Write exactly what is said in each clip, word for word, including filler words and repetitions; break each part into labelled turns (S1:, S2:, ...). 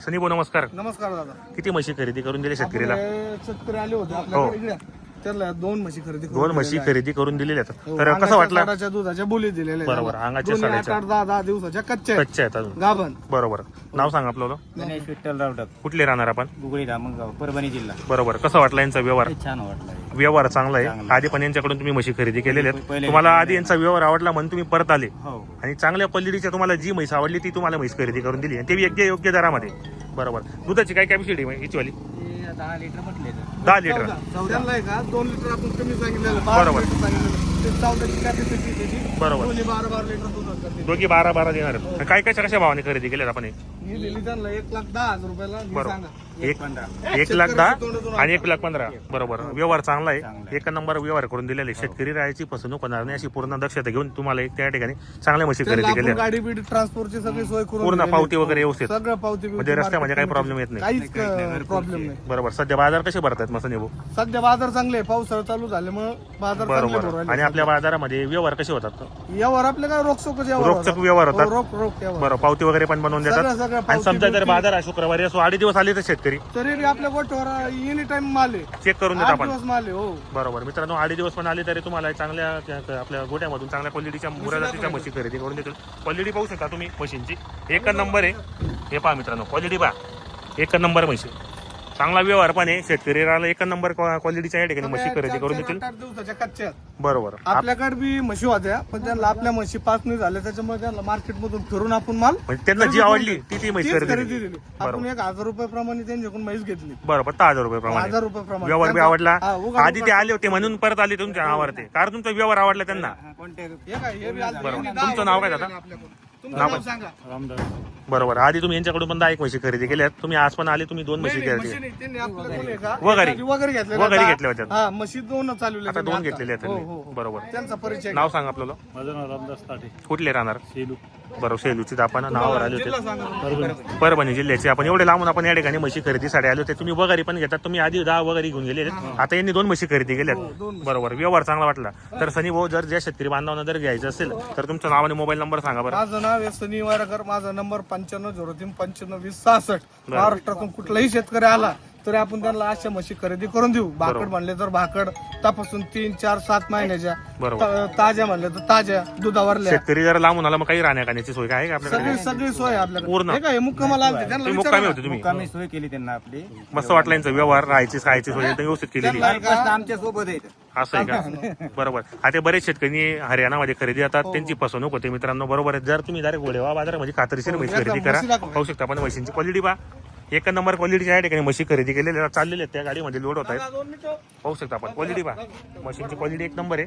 S1: सनी भाऊ नमस्कार.
S2: नमस्कार दादा.
S1: किती म्हशी खरेदी करून दिले शेतकरीला?
S2: आपले शेतकरी आले होते आपल्याकडे इकडे. त्याला दोन म्हशी खरेदी करून
S1: दोन म्हशी
S2: दिलेल्या आहेत.
S1: खरेदी करून दिलेल्या आहेत.
S2: हो,
S1: तर कसं
S2: अंगाच्या
S1: वाटलं?
S2: साडाच्या दुधाच्या बोली दिलेल्या आहेत
S1: बरोबर,
S2: त्याला.
S1: अंगाच्या
S2: दोन्ही
S1: साडाच्या.
S2: आठ आठ दहा दहा दिवसाच्या कच्च्या आहेत.
S1: कच्चे आहेत अजून.
S2: गाभण.
S1: बरोबर. नाव सांग आपलं.
S3: गणेश विठ्ठल रावटक,
S1: कुठले राहणार आपण?
S3: गुगळी धामणगाव, परभणी जिल्हा.
S1: बरोबर. कसं वाटलं यांचा व्यवहार?
S3: हे छान वाटलं.
S1: व्यवहार चांगला आहे.
S3: चांगला.
S1: आधी पण यांच्याकडून तुम्ही म्हशी खरेदी केलेल्या आहेत.
S3: पहिले-
S1: तुम्हाला आधी यांचा व्यवहार आवडला म्हणून तुम्ही परत आले
S3: हो,
S1: आणि चांगल्या क्वालिटीच्या तुम्हाला जी म्हैस आवडली ती तुम्हाला म्हैस खरेदी करून दिली आणि ते योग्य योग्य दरामध्ये. बरोबर. दुधाची काय कॅपॅसिटी आहे हिची वाली?
S3: हे दहा लिटर म्हटले तर.
S1: दहा लिटर.
S2: चौदाला आहे का दोन लिटर आपण कमी सांगितलेलं
S1: बरोबर.
S2: लिटर सांगितलेलं ते चौदाची कॅपॅसिटी त्याची.
S1: बरोबर.
S2: दोन्ही बारा बारा लिटर दूध असतात.
S1: दोघी बारा बारा देणार आहेत. काय कशा कशा भावाने खरेदी केल्यात आपण हे?
S2: ही दिली त्यांना एक लाख दहा हजार रुपयाला. हे
S1: बरोबर.
S2: सांगा.
S1: एक
S3: पंधरा.
S1: एक लाख दहा आणि एक लाख पंधरा. बरोबर. व्यवहार चांगला आहे.
S3: चांगला आहे.
S1: एक नंबर व्यवहार करून दिलेले. शेतकरी राहायची फसवणूक होणार नाही अशी पूर्ण दक्षता घेऊन तुम्हाला एक त्या ठिकाणी चांगल्या म्हशी
S2: त्यांना
S1: खरेदी
S2: आपण
S1: केल्या.
S2: गाडी बिडी ट्रान्सपोर्टची सगळी सोय करून
S1: पूर्ण
S2: दिलेली
S1: पावती
S2: आहे.
S1: वगैरे व्यवस्थित.
S2: सगळं पावती बिवती
S1: म्हणजे रस्त्यामध्ये काही
S2: market
S1: प्रॉब्लेम येत नाही.
S2: काहीच प्रॉब्लेम नाही.
S1: बरोबर. सध्या बाजार कसे भरतात मग भाऊ?
S2: सध्या बाजार चांगले आहे. पावसाळा चालू झाल्यामुळे बाजार चांगले भरू
S1: बरोबर.
S2: राहिले.
S1: आणि आपल्या बाजारामध्ये व्यवहार कसे होतात?
S2: यावर आपले काय रोखचोक
S1: रोखचोक व्यवहार होतात.
S2: रोख रोख यावर.
S1: बरं. पावती वगैरे पण बनवून
S2: सगळं
S1: देतात.
S2: सगळं
S1: आणि
S2: पावती
S1: समजा जर
S2: बिवती.
S1: बाजार आहे शुक्रवारी असो आठ दिवस आले तर शेतकरी
S2: तरी बी आपल्या गोठ्यावर एनी टाइम माल आहे.
S1: चेक करून देत
S2: आठ
S1: आपण.
S2: दिवस माल आहे. हो.
S1: बरोबर. मित्रांनो आठ दिवस पण आले तरी तुम्हाला चांगल्या त्या- आपल्या गोट्यामधून चांगल्या क्वालिटीच्या मुराजातीच्या म्हशी खरेदी करून देतील. क्वालिटी पाहू शकता तुम्ही म्हशींची. एक नंबर आहे. हे पहा मित्रांनो क्वालिटी पहा. एक नंबर म्हशी. चांगला व्यवहार पण आहे. शेतकरी राहिला एक नंबर क्वालिटीच्या या ठिकाणी म्हशी खरेदी करून देतील.
S2: आठ आठ दिवसाच्या कच्च्या आहेत.
S1: बरोबर.
S2: आपल्याकडे बी म्हशी होत्या पण त्यांना आपल्या म्हशी पाच नाही झाल्या त्याच्यामुळे त्यांना मार्केट मधून फिरून आपण माल
S1: म्हणजे त्यांना जी आवडली ती ती म्हैस
S2: तीच
S1: खरेदी
S2: खरेदी
S1: केली.
S2: दिली. आपण एक हजार रुपये प्रमाणे त्यांच्याकडून म्हैस घेतली.
S1: बरोबर. दहा हजार रुपये प्रमाणे
S2: हजार रुपये प्रमाणे
S1: व्यवहार बी
S2: त्यांचा-
S1: आवडला.
S2: हा, उगा-
S1: आधी ते आले होते म्हणून परत आले तुमच्या नावावर ते कारण तुमचा व्यवहार आवडला त्यांना.
S3: हा, कोणते?
S2: हे काय, हे बी आज
S1: बरोबर.
S2: यांनी दहा
S1: तुमचं नाव काय
S2: रुपये
S1: दादा?
S2: आपल्याकडून. तुमचं
S1: नाव
S2: नाव
S1: काय?
S2: सांगा.
S3: रामदास.
S1: बरोबर. आधी तुम्ही यांच्याकडून पण दहा एक म्हशी खरेदी केल्या. तुम्ही आज पण आले तुम्ही दोन म्हशी
S2: नाही, नाही,
S1: खरेदी
S2: म्हशी नाही, त्यांनी आपल्याकडून आहे का?
S1: वगैरे.
S2: वगैरे घेतलेल्या
S1: वगैरे
S2: दहा-
S1: घेतल्या होत्या.
S2: हा म्हशी दोन चालवले
S1: आता दोन घेतलेले आहेत
S2: हो,
S1: त्यांनी.
S2: हो, हो.
S1: बरोबर.
S2: त्यांचा परिचय
S1: नाव सांग आपल्याला.
S3: माझं नाव रामदास ताटे,
S1: कुठले राहणार?
S3: सेलू,
S1: बरोबर. सेलूची आपण नावावर आले
S2: जिल्हा
S1: होते.
S2: सांगा.
S3: परभणी.
S1: परभणी जिल्ह्याचे आपण एवढे लांबून आपण या ठिकाणी म्हशी खरेदीसाठी आले होते. तुम्ही वगैरे पण घेतात. तुम्ही आधी दहा वगैरे घेऊन गेले. आता यांनी दोन म्हशी खरेदी
S2: हो,
S1: केल्यात.
S2: दोन
S1: बरोबर. व्यवहार चांगला वाटला. तर सनी भाऊ जर ज्या शेतकरी बांधवांना जर घ्यायचं असेल तर तुमचं नाव आणि मोबाईल नंबर सांगा बरं.
S2: माझं नाव आहे सनी वारकर. माझा नंबर पंच्याण्णव झिरो तीन पंच्याण्णव वीस सहासष्ट. महाराष्ट्रातून कुठलाही शेतकरी आला तरी आपण त्यांना अशा म्हशी खरेदी करून देऊ. भाकड म्हणले तर भाकड तपासून तीन चार सात महिन्याच्या.
S1: बरोबर.
S2: ता- ताज्या म्हणले तर ताज्या दुधावरल्या.
S1: शेतकरी जर लांबून आला मग काही राहण्या खाण्याची सोय काय आहे का आपल्याकडे?
S2: सगळी सगळी सोय आहे आपल्याकडे.
S1: पूर्ण.
S2: हे काय मुक्कामाला आलते त्यांना
S1: तुम्ही
S2: विचारा
S1: मुक्कामी
S2: ना.
S1: होते तुम्ही.
S3: मुक्कामी सोय केली त्यांना आपली.
S1: मस्त वाटलं यांचा व्यवहार. राहायची खायची सोय एकदम व्यवस्थित केलेली.
S2: त्यांना
S3: प्रश्न आमच्या सोबत आहेत.
S1: असं आहे का? बरोबर. आता बरेच शेतकरी हरियाणामध्ये खरेदी येतात. त्यांची फसवणूक होते मित्रांनो. बरोबर आहे. जर तुम्ही डायरेक्ट गोडेवा बाजारामध्ये खात्रीशीर म्हशी खरेदी करा.
S2: म्हशी दाखवा.
S1: पाहू शकता आपण म्हशींची क्वालिटी पहा. एक नंबर क्वालिटीच्या या ठिकाणी म्हशी खरेदी केलेल्या चाललेल्या आहेत. त्या गाडीमध्ये लोड होत आहेत.
S2: दोन मिनिटं.
S1: पाहू शकता आपण क्वालिटी पहा. म्हशींची क्वालिटी एक नंबर आहे.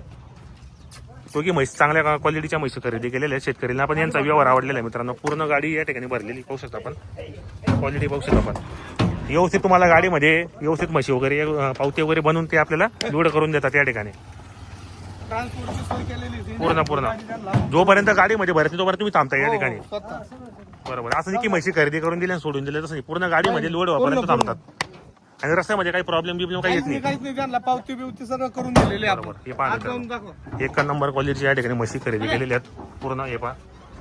S1: दोघी म्हैस चांगल्या क्वालिटीच्या म्हशी खरेदी केलेल्या आहेत. शेतकऱ्यांना पण यांचा व्यवहार आवडलेला आहे मित्रांनो. पूर्ण गाडी या ठिकाणी भरलेली पाहू शकता आपण. क्वालिटी पाहू शकता आपण. व्यवस्थित तुम्हाला गाडीमध्ये व्यवस्थित म्हशी वगैरे अं, पावती वगैरे बनवून ते आपल्याला लोड करून देतात या ठिकाणी.
S2: ट्रान्सपोर्टची सोय केलेली आहे.
S1: पूर्ण पूर्ण जोपर्यंत गाडीमध्ये भरत नाही तोपर्यंत तुम्ही थांबता या
S2: हो,
S1: ठिकाणी.
S2: स्वतः.
S1: बरोबर. असं नाही की म्हशी खरेदी करून दिली आणि सोडून दिले तसं नाही. पूर्ण गाडीमध्ये लोड व्हापर्यंत थांबतात आणि रस्त्यामध्ये काही प्रॉब्लेम बिब्लेम काही येत
S2: काहीच नाही,
S1: नाही.
S2: काहीच नाही. त्यांना पावती बिवती सगळं करून दिलेली आहे
S1: बरोबर.
S2: आपण.
S1: हे पहा
S2: आज जाऊन
S1: मित्रांनो.
S2: दाखवा.
S1: एक नंबर क्वालिटीच्या या ठिकाणी म्हशी खरेदी केलेल्या आहेत पूर्ण. हे पहा.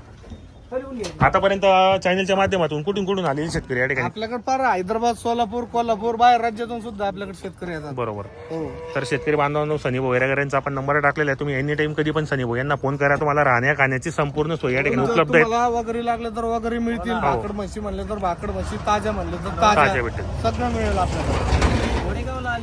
S1: आतापर्यंत चॅनलच्या माध्यमातून कुठून कुठून आलेले शेतकरी या ठिकाणी.
S2: आपल्याकडे पार हैदराबाद सोलापूर कोल्हापूर बाहेर राज्यातून सुद्धा आपल्याकडे शेतकरी येतात.
S1: बरोबर.
S2: हो.
S1: तर शेतकरी बांधवांनो सनी भाऊ वगैरेंचा आपण नंबर टाकलेला आहे. तुम्ही एनी टाइम कधी पण सनी भाऊ यांना फोन करा. तुम्हाला राहण्या खाण्याची संपूर्ण सोय या ठिकाणी उपलब्ध आहे.
S2: तुम्हाला वगैरे लागले तर वगैरे मिळतील. भाकड म्हशी म्हणले तर भाकड म्हशी, ताज्या म्हणले तर
S1: ताज्या
S2: ताज्या
S1: भेटेल.
S2: सगळं मिळेल आपल्याला.